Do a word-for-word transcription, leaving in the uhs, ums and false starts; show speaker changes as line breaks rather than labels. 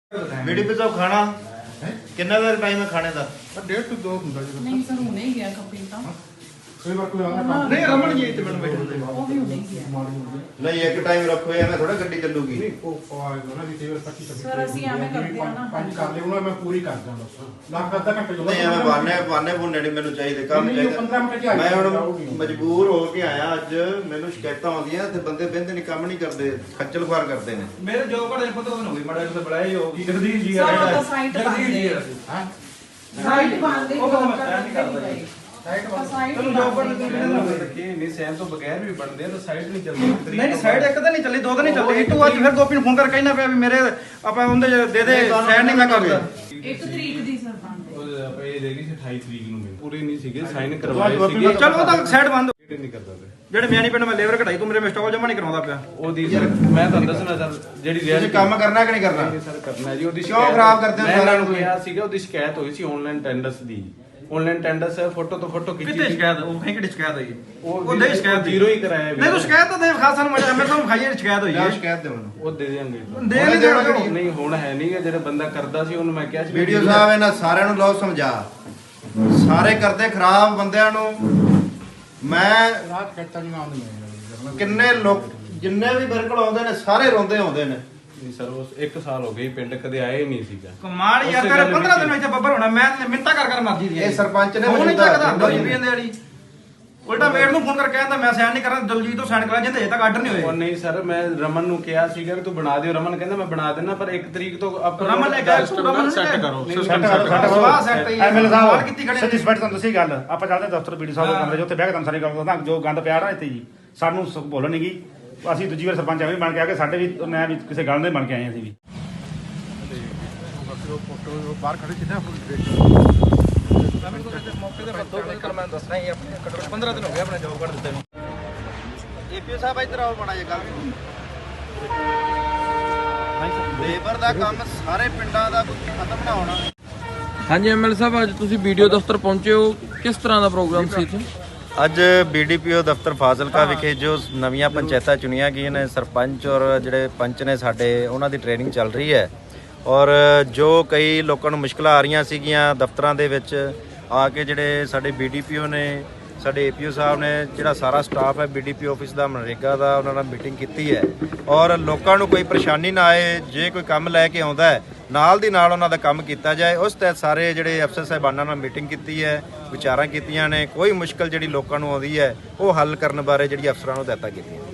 BDP साहब खाना कितना देर टाइम है खाने का?
डेढ़ टू दो ਹੁੰਦਾ ਜੀ।
नहीं सर हुने ही गया कभी ਤਾਂ
ਕਈ ਵਾਰ ਕੋਈ ਆਉਂਦਾ
नहीं रमन जी इतने मिनट बैठे
ਉਹ ਵੀ ਹੁਣੇ ਹੀ ਗਿਆ
नहीं एक टाइम रखो यार थोड़ा गड्डी चलूगी
ਨਹੀਂ ਉਹ ਆਏਗਾ ਨਾ ਜੀ ਕਈ ਵਾਰ ਪੱਚੀ ਛੱਬੀ
ਸਰ ਅਸੀਂ ਐਵੇਂ ਕਰਦੇ ਆ ਨਾ
ਪੰਜ ਕਰ ਲਿਓ ਨਾ ਮੈਂ ਪੂਰੀ ਕਰ ਦਾਂ ਬਸ ਲੱਖ ਅੱਧਾ ਘੰਟੇ ਜੋ
नहीं हमें बाने बाने बुने नहीं मैंने चाहिए काम
नहीं, नहीं, पंद्रह मिनट
चाहिए
च
मैं
आ
ਹੁਣ
जाऊगी।
ਮਜਬੂਰ ਹੋ ਕੇ ਆਇਆ ਅੱਜ ਮੈਨੂੰ ਸ਼ਿਕਾਇਤਾਂ ਆਉਂਦੀਆਂ ਤੇ ਬੰਦੇ ਬਹਿੰਦੇ ਨਹੀਂ ਕੰਮ ਨਹੀਂ ਕਰਦੇ ਖੱਜਲ ਖੁਆਰ ਕਰਦੇ ਨੇ
ਮੇਰੇ ਜੋ ਘੜੇ ਪਤਾ ਤੁਹਾਨੂੰ ਵੀ ਮੜਾ ਜਿਹਾ ਬੜਾਈ ਹੋ ਜਗਦੀਸ਼ ਜੀ
ਸਰ, ਉਹ
ਆ
ਤਾਂ ਸਾਈਟ
ਜਗਦੀਸ਼ ਜੀ ਆ
ਹਾਂ
ਸਾਈਟ ਬੰਦੇ
ਉਹ ਤਾਂ ਮੈਂ ਨਹੀਂ ਕਰਦਾ ਜੀ।
ਸਾਈਡ
ਸਾਈਟ
ਚਲੋ ਜੋ ਘੜੇ ਤੁਸੀਂ
ਰੱਖੀ ਨਹੀਂ ਸੈਨ ਤੋਂ ਬਗੈਰ ਵੀ ਬਣਦੇ ਆ ਤਾਂ ਸਾਈਡ ਨਹੀਂ ਚੱਲਦੀ
ਨਹੀਂ ਸਾਈਡ ਇੱਕ ਤਾਂ ਨਹੀਂ ਚੱਲੀ ਦੋ ਤਾਂ ਨਹੀਂ ਚੱਲੀ ਇਟੂ ਅੱਜ ਫਿਰ ਗੋਪੀ ਨੂੰ ਫੋਨ ਕਰਕੇ ਕਹਿਣਾ ਪਿਆ ਵੀ ਮੇਰੇ ਆਪਾਂ ਉਹਦੇ ਦੇ ਦੇ ਸਾਈਡ ਨਹੀਂ ਮੈਂ ਕਰਦਾ
ਇੱਕ ਤਰੀਕ ਦੀ ਸਰ ਬੰਦੇ
ਉਹ ਆਪਾਂ ਇਹ ਦੇਗੀ ਸੀ ਅਠਾਈ ਤਰੀਕ ਨੂੰ ਮੈਨੂੰ ਪੂਰੀ ਨਹੀਂ ਸੀਗੇ ਸਾਈਨ ਕਰਵਾਏ ਸੀਗੇ
ਚਲ ਉਹ ਤਾਂ ਸਾਈਡ ਬੰਦ
ਨਹੀਂ ਕਰਦਾ ਪਿਆ
ਜਿਹੜੇ ਮਿਆਣੀ ਪਿੰਡ ਮੈਂ ਲੇਬਰ ਕਢਾਈ ਤੂੰ ਮੇਰੇ ਮਿਸਟਾਕ ਜਮਾ ਨਹੀਂ ਕਰਾਉਂਦਾ ਪਿਆ
ਉਹਦੀ ਸਰ ਮੈਂ ਤੁਹਾਨੂੰ ਦੱਸਣਾ ਸਰ ਜਿਹੜੀ
ਤੁਸੀਂ
reality-
ਕੰਮ ਕਰਨਾ ਕਿ ਨਹੀਂ ਕਰਨਾ
ਨਹੀਂ ਸਰ ਕਰਨਾ ਜੀ ਉਹਦੀ
ਕਿਉਂ
ਸ਼ਿਕਾਇਤ-
ਖਰਾਬ ਕਰਦੇ ਹੋ
ਮੈਂ
ਸਾਰਿਆਂ
ਇਹਨਾਂ ਨੂੰ
ਨੂੰ?
ਕਿਹਾ ਸੀਗਾ ਉਹਦੀ ਸ਼ਿਕਾਇਤ ਹੋਈ ਸੀ ਆਨਲਾਈਨ ਟੈਂਡਰਸ ਦੀ ਆਨਲਾਈਨ ਟੈਂਡਰਸ ਫੋਟੋ ਤੋਂ ਫੋਟੋ ਖਿੱਚੀ
ਕਿਤੇ
ਸੀ।
ਸ਼ਿਕਾਇਤ ਉਹ ਕਹੀਂ ਕਿਹੜੀ ਸ਼ਿਕਾਇਤ ਹੋਈ
ਉਹ
ਉਹ ਦੇ ਸ਼ਿਕਾਇਤ
ਜ਼ੀਰੋ ਹੀ ਕਰਾਇਆ
ਨਹੀਂ ਤੂੰ ਸ਼ਿਕਾਇਤ ਤਾਂ ਦੇ ਖਾਸ ਸਾਨੂੰ ਮੈਂ ਮੇਰੇ ਤੋਂ ਖਾਈਏ ਸ਼ਿਕਾਇਤ ਹੋਈ
ਲਿਆਓ
ਹੈ
ਸ਼ਿਕਾਇਤ ਦੇ ਮੈਨੂੰ
ਉਹ ਦੇ ਦੇਾਂਗੇ
ਦੇ ਨਹੀਂ ਦੇਣਾ ਕਿਹੜੀ
ਨਹੀਂ ਹੁਣ ਹੈ ਨਹੀਂ ਗਾ, ਜਿਹੜਾ ਬੰਦਾ ਕਰਦਾ ਸੀ ਉਹਨੂੰ ਮੈਂ ਕਿਹਾ ਸੀ
ਵੀਡੀਓ ਸਾਹਿਬ ਇਹਨਾਂ ਸਾਰਿਆਂ ਨੂੰ ਲਓ ਸਮਝਾ ਸਾਰੇ ਕਰਦੇ ਖਰਾਬ ਬੰਦਿਆਂ ਨੂੰ ਮੈਂ
ਰਾਤ ਕੱਟਾ ਨਹੀਂ ਆਉਂਦੀ ਮੈਂ
ਕਿੰਨੇ ਲੋਕ ਜਿੰਨੇ ਵੀ ਮੇਰੇ ਕੋਲ ਆਉਂਦੇ ਨੇ ਸਾਰੇ ਰੋਂਦੇ ਆਉਂਦੇ ਨੇ
ਨਹੀਂ ਸਰ ਉਸ ਇੱਕ ਸਾਲ ਹੋ ਗਏ ਪਿੰਡ ਕਦੇ ਆਏ ਨਹੀਂ ਸੀਗਾ
ਕਮਾਲ ਯਾਰ
ਉਸੇ
ਤੇਰੇ
ਗੱਲ
ਪੰਦਰਾਂ
ਵਿੱਚ-
ਦਿਨ ਵਿੱਚ ਬੱਬਰ ਹੋਣਾ ਮੈਂ ਮਿੰਤਾ ਕਰ ਕਰ ਮਰਜੀ ਦੀ
ਇਹ ਸਰਪੰਚ ਨੇ
ਉਹ ਨਹੀਂ
ਮੌਜੂਦਾ
ਚੱਕਦਾ
ਹੁੰਦਾ
ਦਸ ਰੁਪਏ ਦੇ ਵਾਲੀ ਉਲਟਾ ਮੇੜ ਨੂੰ ਫੋਨ ਕਰਕੇ ਕਹਿੰਦਾ ਮੈਂ ਸਾਈਨ ਨਹੀਂ ਕਰਨਾ ਦਲਜੀਤ ਤੋਂ ਸਾਈਨ ਕਰਾ ਜਿੰਦੇ ਤੱਕ ਆਰਡਰ ਨਹੀਂ
ਉਹ
ਹੋਏ
ਨਹੀਂ ਸਰ ਮੈਂ ਰਮਨ ਨੂੰ ਕਿਹਾ ਸੀਗਾ ਕਿ ਤੂੰ ਬਣਾ ਦਿਓ ਰਮਨ ਕਹਿੰਦਾ ਮੈਂ ਬਣਾ ਦੇਣਾ ਪਰ ਇੱਕ ਤਰੀਕ ਤੋਂ ਆਪਾਂ
ਰਮਨ ਨੇ ਕਿਹਾ ਤੂੰ ਰਮਨ
ਸੈੱਟ
set
ਕਰੋ
ਨਹੀਂ,
ਸਿਸਟਮ
set
ਸੈੱਟ
ਕਰੋ,
ਕਰੋ
ਸਵਾਹ set ਹੀ ਹੈ।
ਐਮਐਲਏ
ਸਵਾਲ ਕੀਤੀ
ਸਾਹਿਬ
ਖੜੇ
ਸੱਚੀ ਸਪੈਟ ਤੁਹਾਨੂੰ ਦੱਸੀ ਗੱਲ ਆਪਾਂ ਚੱਲਦੇ ਦਫ਼ਤਰ ਬੀਡੀ ਸਾਹਿਬ ਦੇ ਕਮਰੇ 'ਚ ਉੱਥੇ ਬਹਿ ਕੇ ਤੁਹਾਨੂੰ ਸਾਰੀ ਗੱਲ ਦੱਸਦਾ ਜੋ ਗੰਦ ਪਿਆ ਨਾ ਇੱਥੇ ਜੀ ਸਾਨੂੰ ਸ- ਬੋਲਣ ਨਹੀਂ ਗਈ ਅਸੀਂ ਦੂਜੀ ਵਾਰ ਸਰਪੰਚ ਐਵੇਂ ਬਣ ਕੇ ਆ ਕੇ ਸਾਡੇ ਵੀ ਮੈਂ ਵੀ ਕਿਸੇ ਗੱਲ ਦੇ ਬਣ ਕੇ ਆਏ ਅਸੀਂ ਵੀ ਫੋਟੋ ਬਾਹਰ ਖੜੇ ਕਿੱਥੇ
ਮੌਕੇ ਤੇ ਬੱਦੋ ਕਰ ਮੈਂ ਦੱਸਣਾ ਹੀ ਆਪਣੇ ਘੱਟੋ ਪੰਦਰਾਂ ਦਿਨ ਹੋ ਗਏ ਆਪਣੇ ਜੋਬ ਕਰ ਦਿੱਤੇ ਨੂੰ ਏਪੀਓ ਸਾਹਿਬ ਇੱਧਰ ਆਓ ਬਣਾ ਜੇ ਗੱਲ ਲੇਬਰ ਦਾ ਕੰਮ ਸਾਰੇ ਪਿੰਡਾਂ ਦਾ ਖਤਮ ਨਾ ਹੋਣਾ
ਹਾਂਜੀ ਐਮਐਲ ਸਾਹਿਬ ਅੱਜ ਤੁਸੀਂ ਵੀਡੀਓ ਦਫ਼ਤਰ ਪਹੁੰਚੇ ਹੋ ਕਿਸ ਤਰ੍ਹਾਂ ਦਾ ਪ੍ਰੋਗਰਾਮ ਸੀ ਇੱਥੇ
ਅੱਜ ਬੀਡੀਪੀਓ ਦਫ਼ਤਰ ਫਾਜ਼ਿਲਕਾ ਵਿਖੇ ਜੋ ਨਵੀਆਂ ਪੰਚਾਇਤਾਂ ਚੁਣੀਆਂ ਗਈਆਂ ਨੇ ਸਰਪੰਚ ਔਰ ਜਿਹੜੇ ਪੰਚ ਨੇ ਸਾਡੇ ਉਹਨਾਂ ਦੀ ਟ੍ਰੇਨਿੰਗ ਚੱਲ ਰਹੀ ਹੈ ਔਰ ਜੋ ਕਈ ਲੋਕਾਂ ਨੂੰ ਮੁਸ਼ਕਲਾਂ ਆ ਰਹੀਆਂ ਸੀਗੀਆਂ ਦਫ਼ਤਰਾਂ ਦੇ ਵਿੱਚ ਆ ਕੇ ਜਿਹੜੇ ਸਾਡੇ ਬੀਡੀਪੀਓ ਨੇ ਸਾਡੇ ਏਪੀਓ ਸਾਹਿਬ ਨੇ ਜਿਹੜਾ ਸਾਰਾ ਸਟਾਫ ਹੈ ਬੀਡੀਪੀ ਆਫਿਸ ਦਾ ਮਨਰੇਗਾ ਦਾ ਉਹਨਾਂ ਨਾਲ ਮੀਟਿੰਗ ਕੀਤੀ ਹੈ ਔਰ ਲੋਕਾਂ ਨੂੰ ਕੋਈ ਪਰੇਸ਼ਾਨੀ ਨਾ ਆਏ ਜੇ ਕੋਈ ਕੰਮ ਲੈ ਕੇ ਆਉਂਦਾ ਹੈ ਨਾਲ ਦੀ ਨਾਲ ਉਹਨਾਂ ਦਾ ਕੰਮ ਕੀਤਾ ਜਾਏ ਉਸ ਤਹਿਤ ਸਾਰੇ ਜਿਹੜੇ ਅਫਸਰ ਸਾਹਿਬਾਨਾਂ ਨਾਲ ਮੀਟਿੰਗ ਕੀਤੀ ਹੈ ਵਿਚਾਰਾਂ ਕੀਤੀਆਂ ਨੇ ਕੋਈ ਮੁਸ਼ਕਲ ਜਿਹੜੀ ਲੋਕਾਂ ਨੂੰ ਆਉਂਦੀ ਹੈ ਉਹ ਹੱਲ ਕਰਨ ਬਾਰੇ ਜਿਹੜੀ ਅਫਸਰਾਂ ਨੂੰ ਹਦਾਇਤਾਂ ਕੀਤੀਆਂ